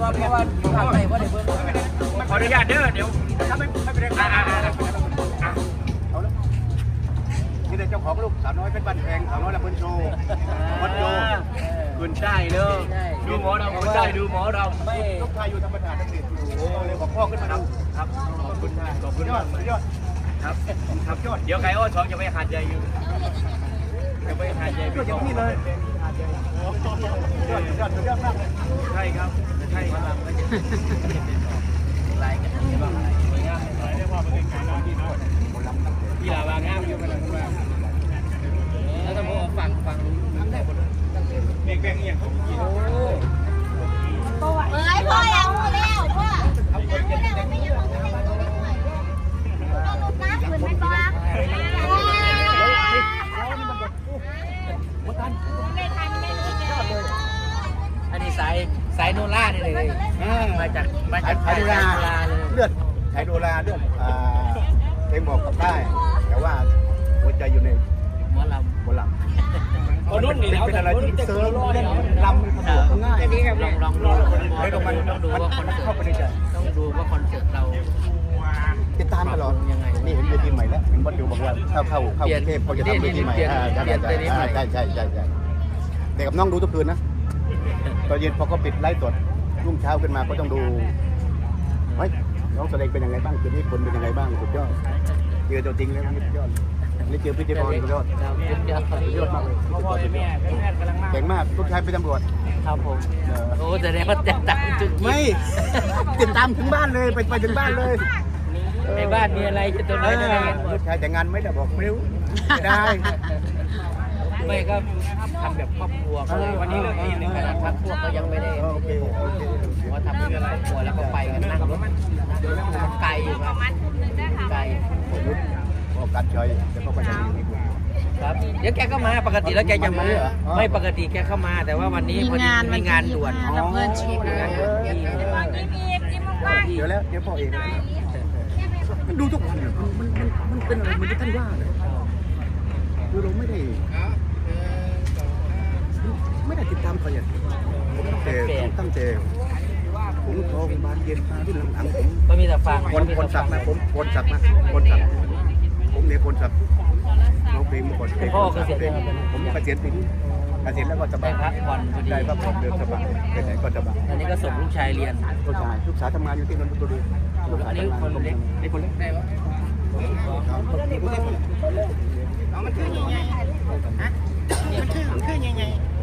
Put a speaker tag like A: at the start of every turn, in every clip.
A: เพราะว่าอยู่ข้างในว่าเดี๋ยวเพิ่ม
B: ขออนุญาตเด้อเดี๋ยวถ้าไม่เป็นไร
C: เอาละนี่เป็นเจ้าของลูกสาวน้อยเป็นบ้านแพงสาวน้อยละเพิ่นโชว์วัดโย
B: คุณได้เด้อดูหมอเราคุณได้ดูหมอเรา
A: ไม่
C: ลูกชายอยู่ธรรมดาทั้งเด็กอยู่เลยบอกพ่อขึ้นมาดู
B: ครับขอบคุณ
C: ยอด
B: ครับครับยอดเดี๋ยวไก่อ้อ2จะไปหาดใหญ่อยู่จะไปหาดใหญ่
C: ก็อย่างนี้เลยยอดมากเลย
B: ใช่ครับใช่ครับ
A: หลายกันที่บ้างอะไร
B: เรียกว่าเป็นการน้ำที่น้อยที่ลาวางงามอยู่กัน
A: แล้วต้องฟังทั้งได้หมด
B: เบงอย่างเขากิน
D: เอ้ยพ่อแล้วแล้วพ่อแล้วไม่ยังไม่ยังไม่หน่อยต้องลดน้ำเหมือนเป็นบ้า
A: อันนี้สายโนล่านี่เลยมาจาก
C: ไทยโดราเลือดไทยโดราเลือดเพลงบอกกับได้แต่ว่าหัวใจอยู่ใน
A: หมอล
B: คนนู้นนี่
C: เป็นอะไรที่เซิร์ฟเล่นลำสะดวกง่าย
A: ลองดู
C: แล้วก็มันเข้าไปในใจ
A: ต้องดูว่าคอนเสิร์ตเรา
C: ติดตามตลอดยังไงนี่เห็นเวทีใหม่แล้วเห็นบอลอยู่บอกว่าเข้ากรุงเทพเขาจะทำเวทีใหม่ใช่แต่กับน้องดูทุกคืนนะตอนเย็นพอเขาปิดไลฟ์สดรุ่งเช้าขึ้นมาก็ต้องดูเฮ้ยน้องแสดงเป็นยังไงบ้างคืนนี้คนเป็นยังไงบ้างสุดยอดเจอตัวจริงแล้วสุดยอดนี่เจอพี่เจบอลสุดยอดมากเลยเก่งมากลูกชายเป็นตำรวจ
A: ครับผมโอ้แต่เนี่ยเขาจะตัดจุด
C: ไม่ติดตามถึงบ้านเลยไปถึงบ้านเลย
A: ในบ้านมีอะไรจะตัวน้อย
C: ลูกชายแต่งงานไม่ได้บอกไม่รู้ได้
A: ไม่ก็ทำแบบครอบครัววันนี้เลิกดีหนึ่งขนาดพักพวกก็ยังไม่ได้ว่าทำเพื่ออะไรครัวแล้วก็ไปกันนั่งรถมันไกลอยู่ครับไกล
C: พอกัดชอยแล้วก็ไปยังมี
A: ครับเดี๋ยวแกก็มาปกติแล้วแกจะมาไม่ปกติแกเข้ามาแต่ว่าวันนี้พอดีมีงานด่วน
D: เพื่อนชีพนะ
C: เดี๋ยวแล้วเดี๋ยวพ่อเองดูทุกคนมันเป็นอะไรมันที่ท่านว่าเลยคือเราไม่ได้ติดตามเขาอย่างผมตั้งแต่ผมโทรบานเย็นมาที่หลังผม
A: ก็มีแต่ฟัง
C: คนสักนะผมคนสักผมเนี่ยคนสักน้องเพลงเมื่อก่อน
A: พ่อเกษียณ
C: ผมเกษียณปีนี้เกษียณแล้วก็สบาย
A: พักผ่อน
C: ได้พักผ่อนเดินสบายไปไหนก็สบาย
A: ตอนนี้ก็ส่งลูกชายเรียน
C: ลูกสาวทำงานอยู่ที่นนทบุรี
A: อันนี้คนเล็ก
C: ไอ้คนเล็กได้ปะมันคือยังไงฮะมันคือยังไง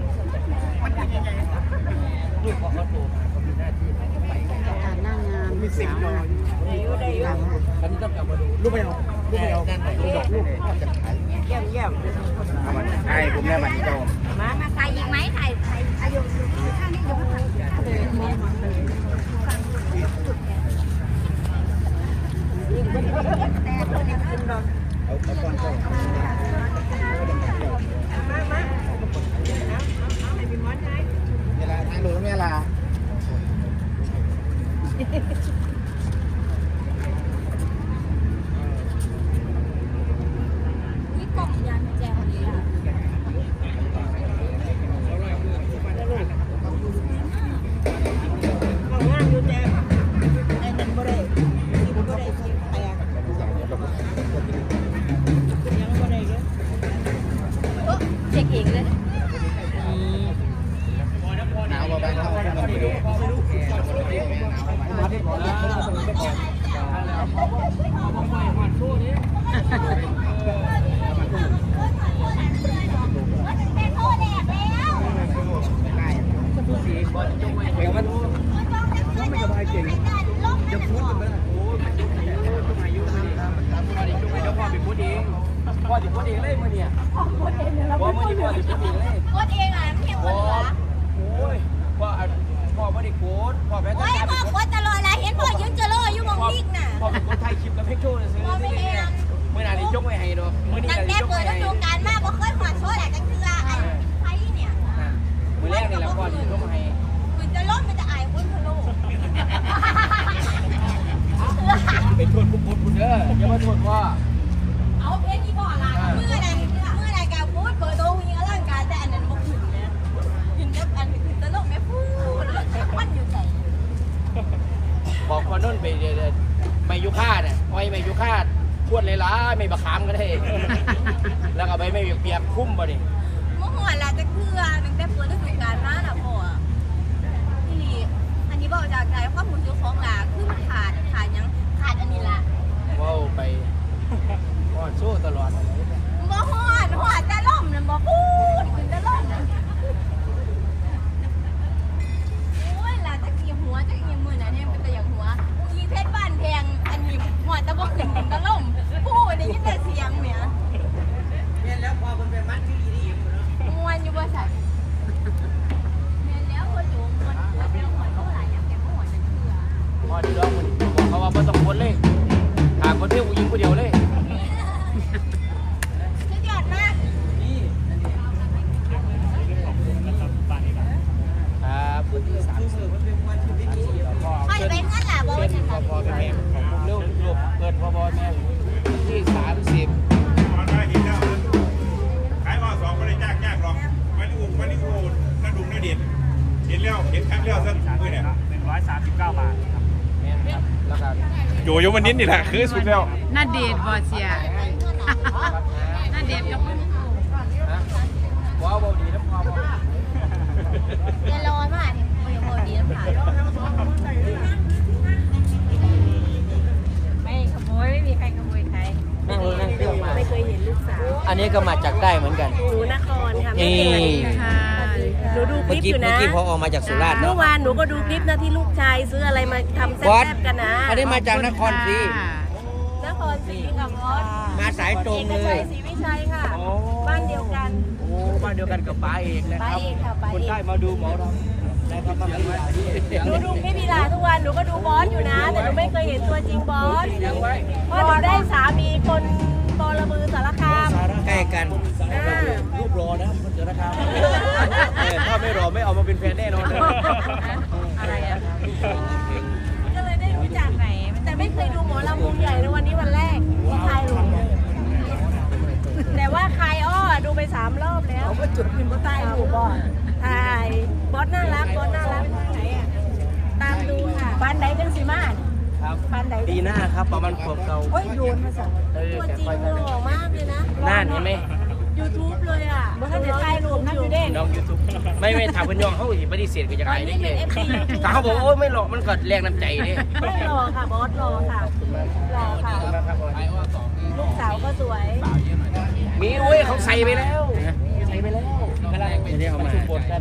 A: ลูกของเขาโตมีหน้าที่ไป
D: การหน้างาน
C: มีสิ่งน้อย
A: ตอนนี้ต้องกลับมาดู
C: ลูกไม่เอาลูกจะขาย
D: เยี่ยม
C: ไอ้ผมเนี่ยมันโต
D: มาใส่อีกไหมใส่อายุข้างนี้อยู่ข้าง
C: เอาก้อนเข้าเวลาทางดูเวลา
D: นี่กล่องยันแจวนี้งานอยู่แจวไอ้นั่นบ่ได้คิดแตกยังบ่ได้เลยเช็คเองเลย
C: หนาวมาบ้างเข้าไม่รู้ไม่สบายจริงจะพูดกันไหม
A: พ่อเป็นพูดเองพ่อจะพูดเองเลยมื่อเนี่ยพ่อมื่อนี้พ่อจะพูดเองเลย
D: โคตรเองอ่ะเพียงคนเหรอ
A: โอ้ยพ่อไม่ได้โค้ดพ่อแม่
D: โอ้ยพ่อโคตรตลอดเลยเห็นพ่อยืนเจริญอยู่มองลิกน่ะ
A: พ่อเป็นคนไทยคลิปกับเพชรโชว์เลยซื้อเมื่อไหร่นี่ยกไม่ให้ดอก
D: นั่นแน่เปิดฤดูกาลมากเพราะเคยหัวโชว์แหละกันคือไอ้ไทยเนี่ย
A: เมื่อแรกนี่แหละพ่อจะยกให้
D: คุณจะล้มมันจะอายคนพะโล้
A: เป็นโทษคุณเด้ออย่ามาโทษพ่อ
D: เอาเพชรที่พ่ออะไรเมื่อใดกับพูดเปิดตัวยิงร่างกายแต่อันนั้นบ่ขึ้นเนี่ยยิงแค่
A: ไม่ยุค่าเนี่ยอ้อยไม่ยุค่าขวดเลยล่ะไม่บะขามก็ได้แล้วก็ใบไม่เปียกคุ้มบ่ดิ
D: เมื่อหัวเราจะเกลือตั้งแต่เปิดฤดูกาลมาน่ะพ่อที่นี่อันนี้บอกจากใจความรู้สึกของหลาคือมันขาดยังขาดอันนี้ละ
A: ว้าวไปอ้อนสู้ตลอด
D: บ่ฮอดแต่ล่มนั่นบ่พูดขึ้นแต่ล่มนั่นโอ้ยหลาจะกี่หัวจะกี่มือน่ะเนี่ยเป็นแต่อย่างหัวอีเพชรบ้านแพงอันนี้หัวแต่บ่ขึ้นแต่ล่มพูดได้ยินแต่เสียงเนี่ย
A: เนี่ยแล้วพอมันเป็นมัดที่ดีๆเนาะ
D: มวนอยู่บ่ใส่แม่นแล้วพ่อโจมมวนหัวเป็นหัวเท่าไหร่ยังแกบ่หัวจะเชื่อ
A: พอดีแล้วมันบอกเขาว่าไม่ต้องคนเลยหาคนเที่ยวผู้หญิงคนเดียวเลย
D: สุดยอดมาก
A: ครับพื้นที่30พ่อ
D: พ่อจะเป็นเงินล่ะบ่ว่าจัง
A: พ่อ
D: ซั่น
A: พ่อแม่ของผมเร็วลูกเกินพ่อแม่พื้นที่30
E: ตอนมาเห็นแล้วขายว่าสองไม่ได้จ้างหรอกมาลิอูกระดุมนาเด็ดเห็นแล้วเห็นครั้งแล้วสักมือเนี่ย
B: 139 บาทครับ
A: แม่ครับแล้วกัน
E: โยมันนิดนี่แหละคือสุดแล้ว
F: น่าเดทบอเสียน่าเดทกับมึง
A: ว้าวดีนะพ่อ
D: เงินร้อนมากนี่บ่ดีน้ำผา
F: ไม่ขโมยไม่มีใครขโมยใคร
A: นั่งเครื่องมา
G: ไม่เคยเห็นลูกสาว
A: อันนี้ก็มาจากใต้เหมือนกัน
G: หนูนครค่ะไม่
A: นี่
G: เคย
F: ค่ะ
G: หนูดูค
A: เมื่อ
G: ลิป
A: กี้
G: อยู่
A: เมื่อ
G: นะ
A: กี้พอออกมาจากสุราษฎร์
G: เมื่
A: เนาะ
G: อวานหนูก็ดูคลิปนะที่ลูกชายซื้ออะไรมาทำแซ่
A: บอส
G: บๆกันนะ
A: อันนี้มาจากนครศรี
G: นครศรีกับบอส
A: มาสายตรง
G: เอก
A: เล
G: ชั
A: ย
G: ยศรีวิชัยค่ะ บ้านเดียวกัน
A: โอ้บ้านเดียวกันกับป้าเอกนะครับ
G: ป้าเอกค่ะป้าเอก
A: คนใต้มาดูหมอเราได้ครับมาที่
G: หนูดูคลิปพีลาทุกวันหนูก็ดูบอสอยู่นะ แต่หนูไม่เคยเห็นตัวจริงบอส
A: ยังไว้
G: เพราะหนูได้สามีคนบอระบือสารคาม
A: ใกล้กันรูปรอนะคนเจอนะครับถ้าไม่รอไม่เอามาเป็นแฟนแน่นอนเลย
F: อะไรอ่ะ
G: ก็เลยได้รู้จักไหน แต่ไม่เคยดูหมอลำวงใหญ่ในวันนี้วันแรกที่คายหลงแต่ว่าคายอ้อดูไป3 รอบแล้วก็จุดพิมพ์ก็ใต้หูบอสถ่ายบอสน่ารักบอสน่ารักไหนอ่ะตามดูค่ะบ้านไหนจังสีมาศ
A: ครับ
G: บ้านไหน
A: ปีหน้าครับประมาณขวบเก่า
G: โอ้ยโยนมาสั่งตัวจริงหล่อมากเลยนะ
A: น่านเห็นไหม
G: YouTube เลยอ่ะบอสจะถ่ายรูปนั่นอยู่เด้
A: น้องยูทูบไม่ถามเพื่อนยองเขาสิปฏิเสธก็จะ
G: ตอ
A: ขาน ยได้
G: นี้
A: เล
G: เป็น
A: ย
G: FC YouTube
A: ถ้าเขาบอกโอ้ยไม่หลอกมันก็แรงน้ำใจดิ
G: ไม่รอค่ะบอสรอค่ะรอค่ะลูกสาวก็สวย
A: มีเว้ยเขาใส่ไปแล้วใส่ไปแล้วกำลังชุมบทกัน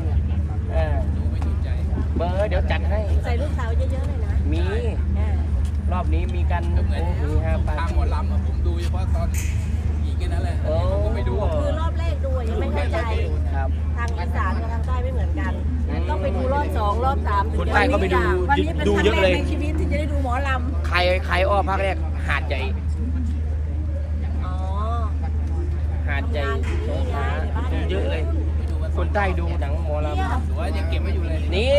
A: เบอร์เดี๋ยวจัดให้
G: ใส่ลูกสาวเยอะๆเลยนะ
A: มีรอบนี้มีกันโอ้มี5 ปาร์ตี้หมอลำผมดูเฉพาะตอนอีกแค่นั้นแหละผมไปดู
G: คือรอบแรกดูยังไม่เข้าใจ
A: ครับ
G: ทางอีสานกับทางใต้ไม่เหมือนกัน ต้องไปดูรอบ2รอบ3ถึง
A: คนใต้ก็ไปดู
G: วันนี้เป็น
A: ดู
G: ครั้ง
A: เยอะ
G: แร
A: เลย
G: กในชีวิตที่จะได้ดูหมอล
A: ใครอ้อภาคแรกหาดใหญ่
G: ำอ๋อ
A: หาดใหญ่สงขลาดูเยอะเลย คนใต้ดูหนังหมอลำว่ายังเก็บไว้อยู่เลยนี่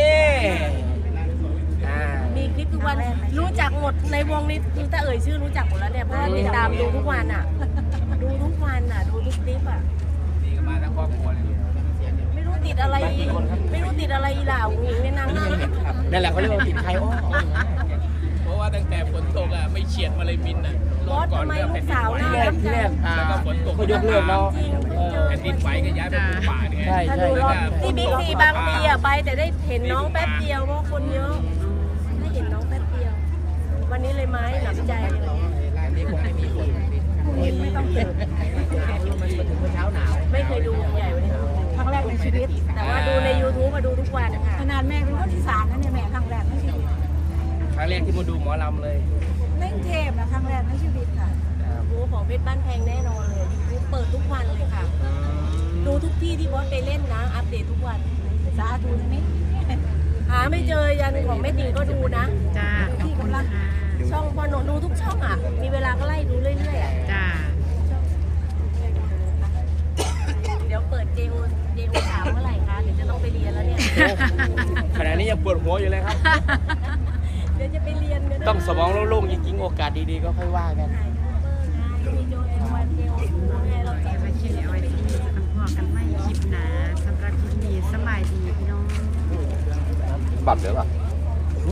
G: มีคลิปทุกวันรู้จักหมดในวงนี้ถ้าเอ่ยชื่อรู้จักหมดแล้วเนี่ยเพราะว่าติดตามดูทุกวันอ่ะ ดูทุกวันอ่ะดูทุกคลิปอ่ะ
A: ดีกันมาทั้งครอบครัวเลย
G: ไม่รู้ติดอะไรไม่รู้ติดอะไรอีหล่าหญิงในนางน่ารัก
A: นั่นแหละเขาเรียกว่าติดใครอ้อ
B: เพราะว่าตั้งแต่ฝนตกอ่ะไม่เฉียดมาเลยบินอ่ะ
G: บอสทำไมลูกสาวน่ารัก
A: ที่
G: จั
A: แรง กเขายกเลิกเนาะ
G: จริงเพิ่งเจอ
B: แผ่นดินไหวก็ย้ายไปปลูกป่าเนี่ย
A: ใช่
G: ถ้า
A: ใช่
G: ดูรอบที่บิ๊กซีบางปีอะไปแต่ได้เห็นน้องแป๊บเดียวเพราะคนเยอะได้เห็นน้องแป๊บเดียว วันนี้เลยไม้หนำใจเลย
A: อันนี้คงไม่มีคน
G: ไม่ต้องเจอ
A: มันถึงเช้าหนาว
G: ไม่เคยดูวงใหญ่วันนี้ครั้งแรกในชีวิต แต่ว่าดูใน YouTube มาดูทุกวันค่ะขนาดแม่เป็นคนอีสานนะเนี่ยแม่ครั้งแรกในชีวิต
A: ครั้งแรกที่มาดูหมอลำเลย
G: ในกรุงเทพนะครั้งแรกในชีวิตค่ะดูของเพชรบ้านแพงแน่นอนเลย YouTube เปิดทุกวันเลยค่ะ ดูทุกที่ที่บอสไปเล่นนะ อัปเดตทุกวันสาธุนะมิหาไม่เจอยันของแม่ติ่งก็ดูนะ
F: จ้า
G: ที่กำลังช่องพอหนูดูทุกช่องอ่ะ มีเวลาก็ไล่ดูเรื่อยๆอ่ะ
F: จ้า
G: เดี๋ยวเปิดเจโอสามเมื่อไหร่คะเดี๋ยวจะต้องไปเรียนแล้วเนี่ย
A: ขณะนี้ยังปวดหัวอยู่เลยครับ
G: เดี๋ยวจะไปเรียนเดี๋ยว
A: ต้องสมองโล่งๆจริงๆโอกาสดีๆก็ค่อยว่ากัน
G: ถ่ายยูทูบเบอร์ไงมีโจเอวันเจโอไงเราจะ
F: มาคิดเอาไว้ที่จะต้องพอกันไม่คลิปนะสำหรับคลิปนี้สบายดีพี่น้อง
C: บัตรเดี๋ยวล่ะ